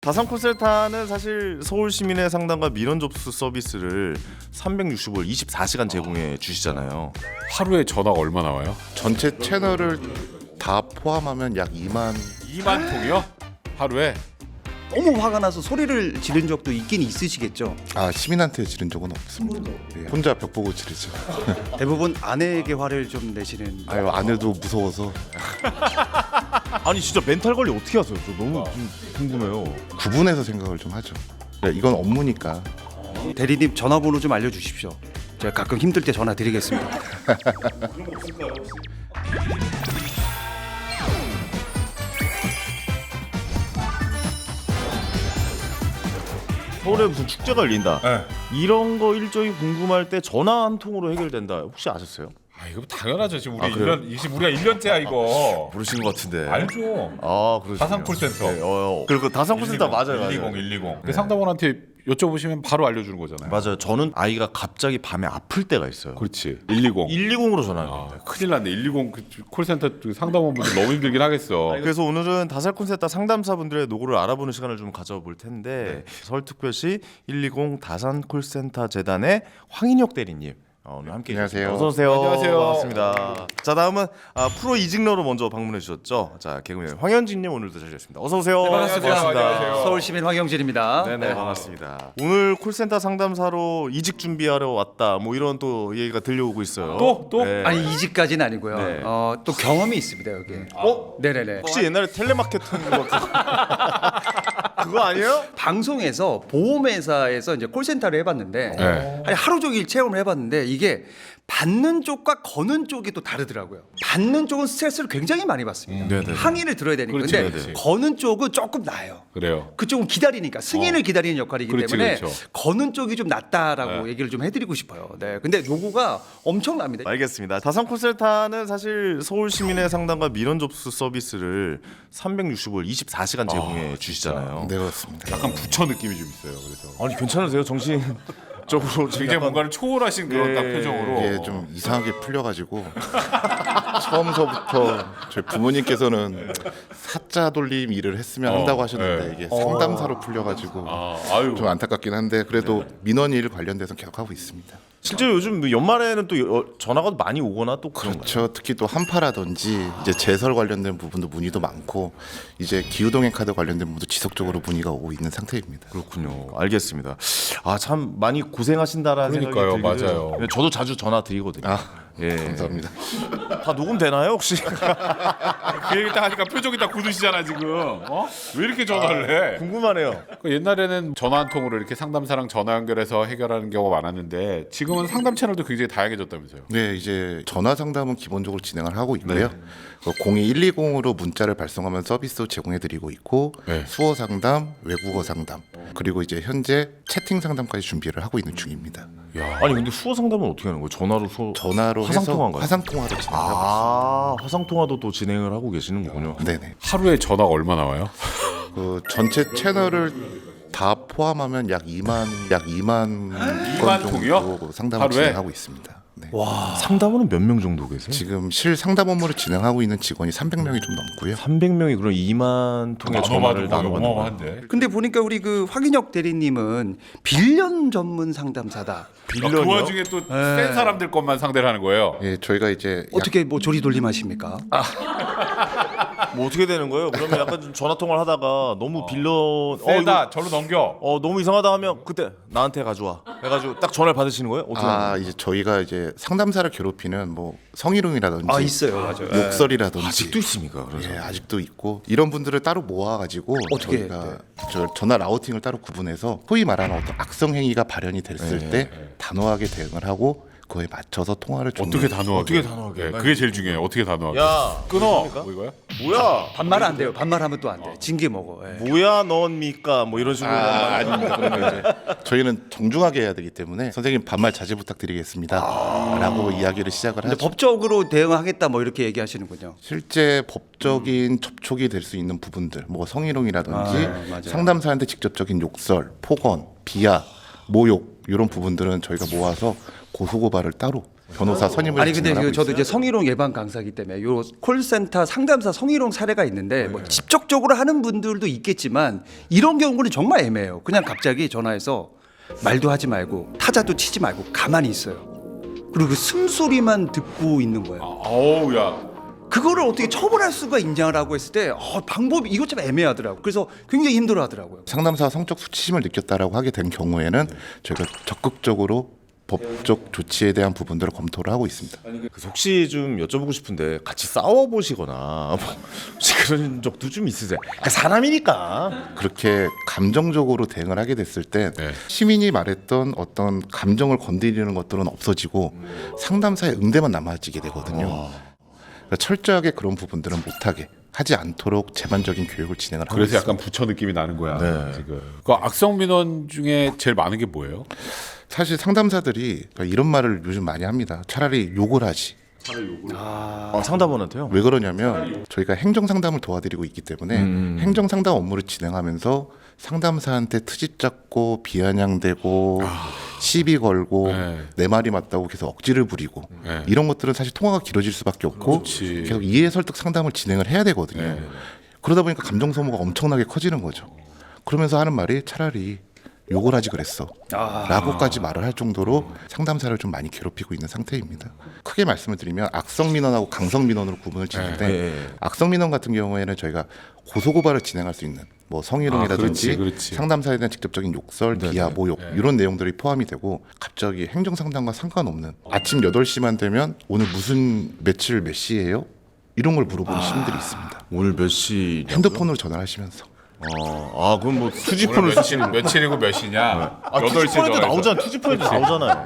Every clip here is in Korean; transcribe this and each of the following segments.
다산 콜센터는 사실 서울 시민의 상담과 민원 접수 서비스를 365일 24시간 제공해 주시잖아요. 하루에 전화가 얼마나 와요? 전체 채널을 다 포함하면 약 2만 2만 통이요? 하루에? 너무 화가 나서 소리를 지른 적도 있긴 있으시겠죠. 시민한테 지른 적은 없습니다. 예, 혼자 벽 보고 지르죠. 대부분 아내에게 화를 좀 내시는. 아유, 아내도 무서워서 아니 진짜 멘탈 관리 어떻게 하세요? 저 너무 좀 궁금해요. 구분해서 생각을 좀 하죠. 네, 이건 업무니까. 대리님 전화번호 좀 알려주십시오. 제가 가끔 힘들 때 전화 드리겠습니다. 서울에 무슨 축제가 열린다. 네. 이런 거 일정이 궁금할 때 전화 한 통으로 해결된다. 혹시 아셨어요? 아 이거 당연하죠. 지금 우리 그래요? 1년 지금 우리가 1년째야 이거. 모르시는 것 같은데. 알죠. 아, 그러시군요. 다산 콜센터. 네, 그리고 다산 콜센터 맞아요. 120. 그 상담원한테 여쭤보시면 바로 알려주는 거잖아요. 맞아요. 저는 아이가 갑자기 밤에 아플 때가 있어요. 그렇지. 120. 120으로 전화합니다. 큰일 났네. 120 그 콜센터 그 상담원분들 너무 힘들긴 하겠어. 그래서 오늘은 다산 콜센터 상담사분들의 노고를 알아보는 시간을 좀 가져볼 텐데 서울특별시 120 다산 콜센터 재단의 황인혁 대리님 오늘 함께 안녕하세요. 어서 오세요. 안녕하세요. 반갑습니다. 자 다음은 프로 이직러로 먼저 방문해 주셨죠. 자 개그맨 황현진님 오늘도 자리하셨습니다. 어서 오세요. 안녕하세요. 서울시민 황영진입니다. 네네 반갑습니다. 오늘 콜센터 상담사로 이직 준비하러 왔다. 뭐 이런 또 얘기가 들려오고 있어요. 또? 네. 아니 이직까지는 아니고요. 네. 또 경험이 있습니다 여기. 네네네. 혹시 옛날에 텔레마케팅 그거 아니에요? 방송에서 보험회사에서 이제 콜센터를 해봤는데 네. 아니, 하루 종일 체험을 해봤는데 이게 받는 쪽과 거는 쪽이 또 다르더라고요. 받는 쪽은 스트레스를 굉장히 많이 받습니다. 네네. 항의를 들어야 되니까. 그렇지, 근데 그렇지. 거는 쪽은 조금 나아요. 그래요. 그쪽은 기다리니까 승인을 기다리는 역할이기 그렇지, 때문에 그렇죠. 거는 쪽이 좀 낫다라고 네. 얘기를 좀 해드리고 싶어요. 네, 근데 요구가 엄청납니다. 알겠습니다. 다산 콜센터는 사실 서울 시민의 상담과 민원 접수 서비스를 365일 24시간 제공해 주시잖아요. 네, 그렇습니다. 약간 부처 느낌이 좀 있어요. 그래서 아니 괜찮으세요? 정신적으로 굉장히 뭔가를 초월하신 그런 딱 표정으로. 이게 좀 이상하게 풀려가지고 처음서부터 저희 부모님께서는 사자 돌림 일을 했으면 한다고 하셨는데 네. 이게 상담사로 풀려가지고 아유. 좀 안타깝긴 한데 그래도 민원 일 관련돼서 계속 하고 있습니다. 실제로 요즘 연말에는 또 전화가 많이 오거나 또 그런가요? 그렇죠. 특히 또 한파라든지 이제 제설 관련된 부분도 문의도 많고 이제 기후동행 카드 관련된 부분도 지속적으로 문의가 오고 있는 상태입니다. 그렇군요. 알겠습니다. 아 참 많이 고생하신다라는 그러니까요, 생각이 들기도 맞아요. 해요. 저도 자주 전화 드리거든요. 예. 감사합니다. 다 녹음되나요 혹시? 그 얘기 딱 하니까 표정이 딱 굳으시잖아 지금. 왜 이렇게 전화를 해? 궁금하네요. 그 옛날에는 전화 한 통으로 이렇게 상담사랑 전화 연결해서 해결하는 경우가 많았는데 지금은 상담 채널도 굉장히 다양해졌다면서요. 네, 이제 전화 상담은 기본적으로 진행을 하고 있고요. 02120으로 문자를 발송하면 서비스 제공해드리고 있고 네. 수어 상담, 외국어 상담 그리고 이제 현재 채팅 상담까지 준비를 하고 있는 중입니다. 아니 근데 수어 상담은 어떻게 하는 거예요? 전화로 수어 전화로 화상 해서 통화인가요? 화상 통화로 진행하고 화상 통화도 또 진행을 하고 계시는 거군요. 있습니다. 네네. 하루에 전화가 얼마나 와요? 그 전체 채널을 다 포함하면 약 2만 건 통이요? 정도 상담을 하루에? 진행하고 있습니다. 네. 상담원은 몇 명 정도 계세요? 지금 실 상담 업무를 진행하고 있는 직원이 300명이 좀 넘고요. 300명이 그럼 2만 통의 전화를 나눠받는 거예요. 어마어마한데. 근데 보니까 우리 그 황인혁 대리님은 빌런 전문 상담사다. 그 와중에 또 센 사람들 것만 상대를 하는 거예요. 예, 저희가 이제 어떻게 뭐 조리돌림하십니까? 뭐 어떻게 되는 거예요? 그러면 약간 좀 전화 통화를 하다가 너무 빌런 세다. 절로 넘겨. 너무 이상하다 하면 그때 나한테 가져와 해가지고 딱 전화를 받으시는 거예요? 어떻게 하는 거예요? 이제 저희가 이제 상담사를 괴롭히는 뭐 성희롱이라든지 있어요, 맞아요. 욕설이라든지 아직도 있습니까? 그래서 예, 아직도 있고 이런 분들을 따로 모아가지고 어떻게 저희가 저 전화 라우팅을 따로 구분해서 소위 말하는 어떤 악성 행위가 발현이 됐을 때 단호하게 대응을 하고 그거에 맞춰서 통화를 어떻게 단호하게? 어떻게 단호하게? 네, 그게 제일 중요해요. 어떻게 단호하게? 야 끊어. 그러십니까? 뭐 이거야? 뭐야? 반말 안 돼요. 반말하면 또 안 돼. 징계 먹어. 예. 뭐야 넌입니까? 뭐 이런 식으로 아닙니다. 그러면 이제 저희는 정중하게 해야 되기 때문에 선생님 반말 자제 부탁드리겠습니다라고 이야기를 시작을 근데 하죠. 법적으로 대응하겠다 뭐 이렇게 얘기하시는군요. 실제 법적인 접촉이 될 수 있는 부분들, 뭐 성희롱이라든지 맞아요. 상담사한테 직접적인 욕설, 폭언, 비하, 모욕 이런 부분들은 저희가 모아서 고소고발을 따로 변호사 선임을 아니 근데 진행하고 그 저도 있어요. 이제 성희롱 예방 강사이기 때문에 요 콜센터 상담사 성희롱 사례가 있는데 뭐 직접적으로 하는 분들도 있겠지만 이런 경우는 정말 애매해요. 그냥 갑자기 전화해서 말도 하지 말고 타자도 치지 말고 가만히 있어요. 그리고 그 숨소리만 듣고 있는 거예요. 어우 야. 그거를 어떻게 처벌할 수가 있냐라고 했을 때 방법이 이것 좀 애매하더라고요. 그래서 굉장히 힘들어하더라고요. 상담사가 성적 수치심을 느꼈다라고 하게 된 경우에는 저희가 적극적으로 법적 조치에 대한 부분들을 검토를 하고 있습니다. 그래서 혹시 좀 여쭤보고 싶은데 같이 싸워 보시거나 뭐 혹시 그런 적도 좀 있으세요? 사람이니까. 그렇게 감정적으로 대응을 하게 됐을 때 네. 시민이 말했던 어떤 감정을 건드리는 것들은 없어지고 상담사의 응대만 남아지게 되거든요. 그러니까 철저하게 그런 부분들은 못하게 하지 않도록 제반적인 교육을 진행을 하고 그래서 있습니다. 약간 부처 느낌이 나는 거야. 네. 지금. 그 악성 민원 중에 제일 많은 게 뭐예요? 사실 상담사들이 이런 말을 요즘 많이 합니다. 차라리 욕을 하지. 상담원한테요? 왜 그러냐면 저희가 행정 상담을 도와드리고 있기 때문에 행정 상담 업무를 진행하면서 상담사한테 트집 잡고 비아냥대고 시비 걸고 네. 내 말이 맞다고 계속 억지를 부리고 네. 이런 것들은 사실 통화가 길어질 수밖에 없고 그렇지. 계속 이해 설득 상담을 진행을 해야 되거든요. 네. 그러다 보니까 감정 소모가 엄청나게 커지는 거죠. 그러면서 하는 말이 차라리 욕을 하지 그랬어 라고까지 말을 할 정도로 상담사를 좀 많이 괴롭히고 있는 상태입니다. 크게 말씀을 드리면 악성 민원하고 강성 민원으로 구분을 짓는데 네. 악성 민원 같은 경우에는 저희가 고소고발을 진행할 수 있는 뭐 성희롱이라든지 그렇지. 상담사에 대한 직접적인 욕설, 비하, 모욕 이런 내용들이 포함이 되고 갑자기 행정상담과 상관없는 아침 8시만 되면 오늘 무슨 며칠 몇 시예요? 이런 걸 물어보는 시민들이 있습니다. 오늘 몇 시? 핸드폰으로 전화를 하시면서 그럼 뭐 오늘 투지폰을 며칠이고 몇 시냐? 8시에 투지폰에도 나오잖아. 투지폰에도 나오잖아요.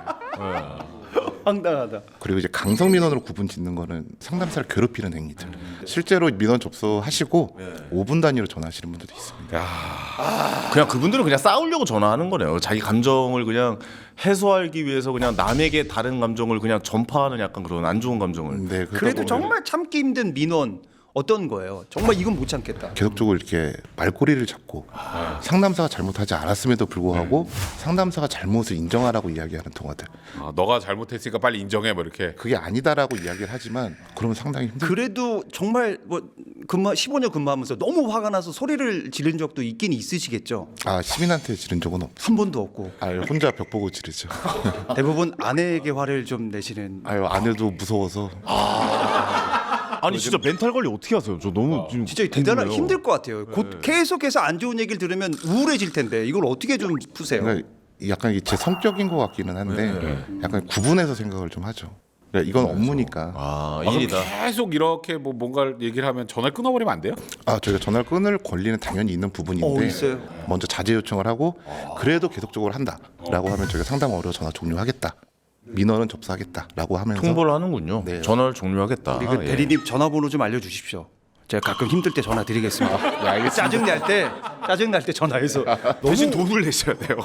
황당하다. 그리고 이제 강성 민원으로 구분 짓는 거는 상담사를 괴롭히는 행위들. 실제로 민원 접수하시고 5분 단위로 전화하시는 분들도 있습니다. 그냥 그분들은 그냥 싸우려고 전화하는 거네요. 자기 감정을 그냥 해소하기 위해서 그냥 남에게 다른 감정을 그냥 전파하는 약간 그런 안 좋은 감정을. 네, 그러다 그래도 보면 정말 참기 힘든 민원 어떤 거예요? 정말 이건 못 참겠다. 계속적으로 이렇게 말꼬리를 잡고 상담사가 잘못하지 않았음에도 불구하고 상담사가 잘못을 인정하라고 이야기하는 통화들. 너가 잘못했으니까 빨리 인정해 뭐 이렇게. 그게 아니다라고 이야기를 하지만 그러면 상당히 힘들죠. 그래도 정말 뭐 15년 근무하면서 너무 화가 나서 소리를 지른 적도 있긴 있으시겠죠. 시민한테 지른 적은 없. 한 번도 없고 혼자 벽 보고 지르죠. 대부분 아내에게 화를 좀 내시는. 아내도 무서워서. 아니 진짜 멘탈 관리 어떻게 하세요? 저 너무 지금 진짜 대단한 궁금해요. 힘들 것 같아요. 곧 계속해서 안 좋은 얘기를 들으면 우울해질 텐데 이걸 어떻게 좀 푸세요? 그러니까 약간 제 성격인 것 같기는 한데 약간 구분해서 생각을 좀 하죠. 그러니까 이건 업무니까. 일이다. 계속 이렇게 뭐 뭔가를 얘기를 하면 전화를 끊어버리면 안 돼요? 저희가 전화를 끊을 권리는 당연히 있는 부분인데 있어요. 먼저 자제 요청을 하고 그래도 계속적으로 한다라고 하면 저희가 상담원으로 전화 종료하겠다. 민원은 접수하겠다라고 하면서 통보를 하는군요. 네. 전화를 종료하겠다. 우리 그 예. 대리님 전화번호 좀 알려주십시오. 제가 가끔 힘들 때 전화 드리겠습니다. 짜증 날 때 전화해서 대신 돈을 내셔야 돼요.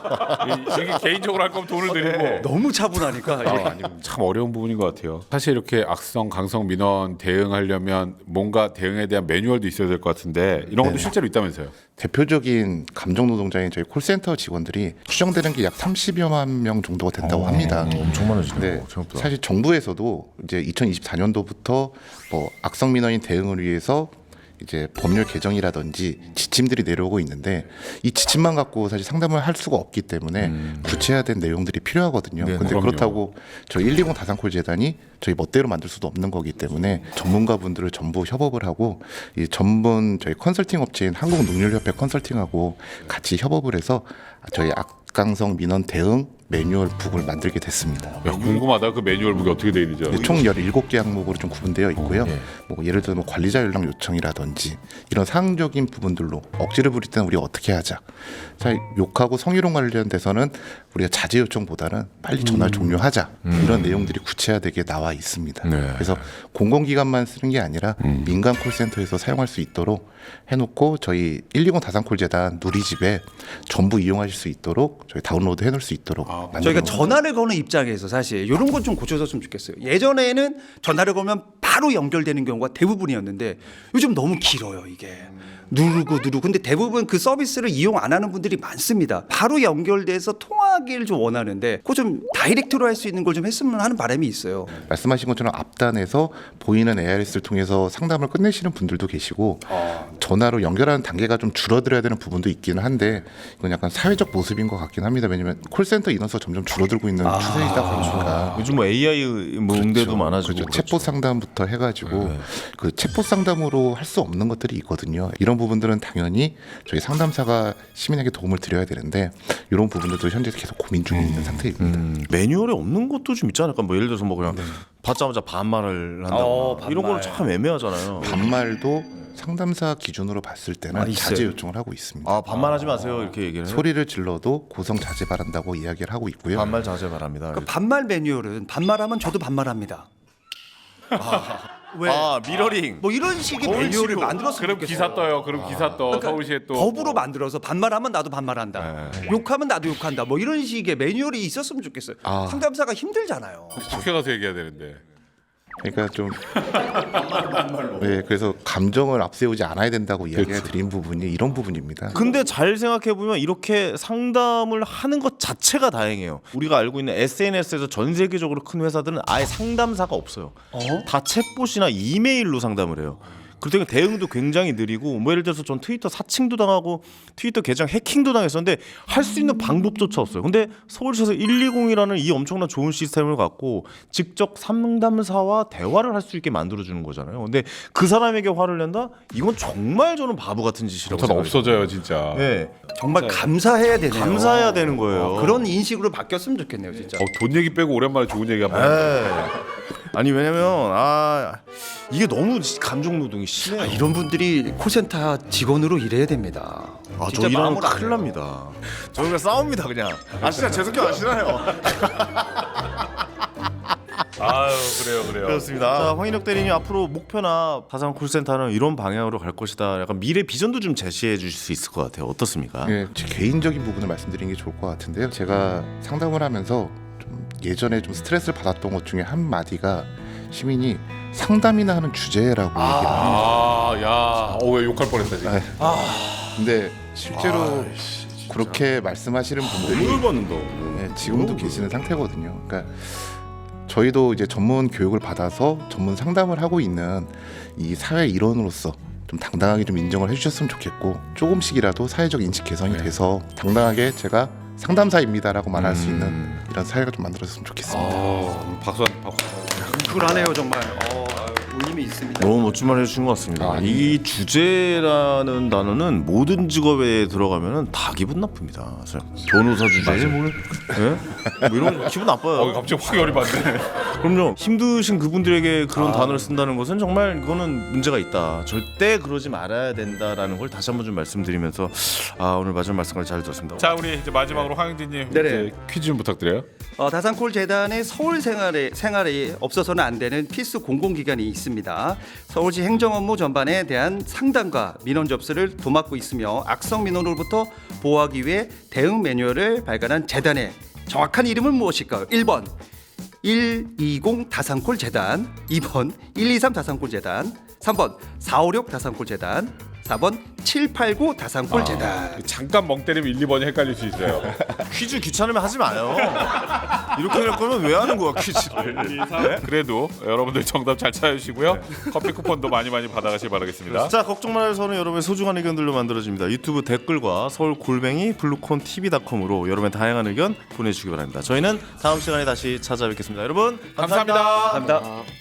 이게 개인적으로 할 거면 돈을 드리고. 너무 차분하니까. 참 어려운 부분인 것 같아요. 사실 이렇게 악성, 강성 민원 대응하려면 뭔가 대응에 대한 매뉴얼도 있어야 될 것 같은데 이런 것도 실제로 있다면서요? 대표적인 감정 노동자인 저희 콜센터 직원들이 추정되는 게 약 30여만 명 정도가 된다고 합니다. 엄청 많아지네요. 네, 생각보다. 사실 정부에서도 이제 2024년도부터 뭐 악성 민원인 대응을 위해서 이제 법률 개정이라든지 지침들이 내려오고 있는데 이 지침만 갖고 사실 상담을 할 수가 없기 때문에 구체화된 내용들이 필요하거든요. 네, 근데 그럼요. 그렇다고 저희 120 다산콜 재단이 저희 멋대로 만들 수도 없는 거기 때문에 전문가분들을 전부 협업을 하고 이 전문 저희 컨설팅 업체인 한국농률협회 컨설팅하고 같이 협업을 해서 저희 악강성 민원 대응 매뉴얼 북을 만들게 됐습니다. 야, 궁금하다. 그 매뉴얼 북이 어떻게 돼 있는지. 총 17개 항목으로 좀 구분되어 있고요. 뭐 예를 들어 뭐 관리자 연락 요청이라든지 이런 사항적인 부분들로 억지를 부릴 때는 우리가 어떻게 하자. 자, 욕하고 성희롱 관련돼서는 우리가 자제 요청보다는 빨리 전화를 종료하자. 이런 내용들이 구체화되게 나와 있습니다. 네. 그래서 공공기관만 쓰는 게 아니라 민간 콜센터에서 사용할 수 있도록 해놓고 저희 120 다산콜 재단 누리집에 전부 이용하실 수 있도록 저희 다운로드 해놓을 수 있도록 저희가 만들어 전화를 거는 입장에서 사실 이런 건 좀 고쳐줬으면 좋겠어요. 예전에는 전화를 걸면 바로 바로 연결되는 경우가 대부분이었는데 요즘 너무 길어요 이게. 누르고 근데 대부분 그 서비스를 이용 안 하는 분들이 많습니다. 바로 연결돼서 통화하기를 좀 원하는데 그거 좀 다이렉트로 할 수 있는 걸 좀 했으면 하는 바람이 있어요. 말씀하신 것처럼 앞단에서 보이는 ARS를 통해서 상담을 끝내시는 분들도 계시고 전화로 연결하는 단계가 좀 줄어들어야 되는 부분도 있기는 한데 이건 약간 사회적 모습인 것 같긴 합니다. 왜냐하면 콜센터 인원수가 점점 줄어들고 있는 추세이다 보니까 요즘 뭐 AI 뭐 응대도 많아지고 그렇죠. 그렇죠. 챗봇 상담부터 해가지고 그 챗봇 상담으로 할 수 없는 것들이 있거든요. 이런 부분들은 당연히 저희 상담사가 시민에게 도움을 드려야 되는데 이런 부분들도 현재 계속 고민 중에 있는 상태입니다. 매뉴얼에 없는 것도 좀 있지 않을까? 뭐 예를 들어서 뭐 그냥 받자마자 반말을 한다거나 이런 거는 참 애매하잖아요. 반말도 상담사 기준으로 봤을 때는 있어요. 자제 요청을 하고 있습니다. 아 반말하지 마세요 이렇게 얘기를 해요. 소리를 질러도 고성 자제 바란다고 이야기를 하고 있고요. 반말 자제 바랍니다. 그 반말 매뉴얼은 반말하면 저도 반말합니다. 왜? 아 미러링. 뭐 이런 식의 매뉴얼을 만들었으면 그럼 좋겠어요. 기사 떠요. 그럼 기사 떠. 서울시에 또 법으로 만들어서 반말하면 나도 반말한다. 욕하면 나도 욕한다. 뭐 이런 식의 매뉴얼이 있었으면 좋겠어요. 상담사가 힘들잖아요. 학교 가서 얘기해야 되는데. 그러니까 좀 네, 그래서 감정을 앞세우지 않아야 된다고 이야기해 드린 부분이 이런 부분입니다. 근데 잘 생각해 보면 이렇게 상담을 하는 것 자체가 다행이에요. 우리가 알고 있는 SNS에서 전 세계적으로 큰 회사들은 아예 상담사가 없어요. 다 챗봇이나 이메일로 상담을 해요. 그렇다면 대응도 굉장히 느리고 뭐 예를 들어서 전 트위터 사칭도 당하고 트위터 계정 해킹도 당했었는데 할 수 있는 방법조차 없어요. 근데 서울시에서 120이라는 이 엄청난 좋은 시스템을 갖고 직접 상담사와 대화를 할 수 있게 만들어주는 거잖아요. 근데 그 사람에게 화를 낸다? 이건 정말 저는 바보 같은 짓이라고 전 생각해요. 없어져요 진짜. 네. 정말 감사해야 되네요. 감사해야 되는 거예요. 그런 인식으로 바뀌었으면 좋겠네요, 진짜. 돈 얘기 빼고 오랜만에 좋은 얘기 한번. 아니 왜냐면 이게 너무 감정 노동이 심해요. 이런 분들이 콜센터 직원으로 일해야 됩니다. 저 진짜 이러면 마음으로 안 큰일 해요. 납니다. 저 그냥 싸웁니다 그냥. 진짜 제 성격 아시나요? 아유 그래요. 그렇습니다. 자, 황인혁 대리님 앞으로 목표나 다산 콜센터는 이런 방향으로 갈 것이다. 약간 미래 비전도 좀 제시해 주실 수 있을 것 같아요. 어떻습니까? 예, 제 개인적인 부분을 말씀드리는 게 좋을 것 같은데요. 제가 상담을 하면서 좀 예전에 좀 스트레스를 받았던 것 중에 한 마디가 시민이 상담이나 하는 주제라고 얘기를 합니다. 왜 욕할 뻔했다 지금. 근데 실제로 그렇게 말씀하시는 분들이 받는다. 예, 지금도 계시는 상태거든요. 그러니까 저희도 이제 전문 교육을 받아서 전문 상담을 하고 있는 이 사회 일원으로서 좀 당당하게 좀 인정을 해주셨으면 좋겠고 조금씩이라도 사회적 인식 개선이 돼서 당당하게 제가 상담사입니다라고 말할 수 있는 이런 사회가 좀 만들어졌으면 좋겠습니다. 박수. 쿨하네요, 정말. 울림이 있습니다. 너무 멋진 말 해주신 것 같습니다. 이 주제라는 단어는 모든 직업에 들어가면은 다 기분 나쁩니다. 변호사 주제 뭐 이런 거 기분 나빠요. 갑자기 확 열이 받네. 그럼요. 힘드신 그분들에게 그런 단어를 쓴다는 것은 정말 이거는 문제가 있다. 절대 그러지 말아야 된다라는 걸 다시 한번 좀 말씀드리면서 오늘 마지막 말씀을 잘 들었습니다. 자 우리 이제 마지막으로 황영진님 네네. 이제 퀴즈 좀 부탁드려요. 다산콜 재단의 서울 생활에 없어서는 안 되는 필수 공공기관이 있습니다. 서울시 행정업무 전반에 대한 상담과 민원 접수를 도맡고 있으며 악성 민원으로부터 보호하기 위해 대응 매뉴얼을 발간한 재단의 정확한 이름은 무엇일까요? 1번 120 다산콜 재단, 2번 123 다산콜 재단, 3번 456 다산콜 재단, 4번 789 다산콜 재단. 잠깐 멍 때리면 1, 2번이 헷갈릴 수 있어요. 퀴즈 귀찮으면 하지 마요. 이렇게 할 거면 왜 하는 거야 퀴즈를? 그래도 여러분들 정답 잘 찾아주시고요. 커피 쿠폰도 많이 받아가시기 바라겠습니다. 자 걱정 말아요. 저는 여러분의 소중한 의견들로 만들어집니다. 유튜브 댓글과 서울 골뱅이 블루콘TV.com으로 여러분의 다양한 의견 보내주시기 바랍니다. 저희는 다음 시간에 다시 찾아뵙겠습니다. 여러분 감사합니다. 감사합니다.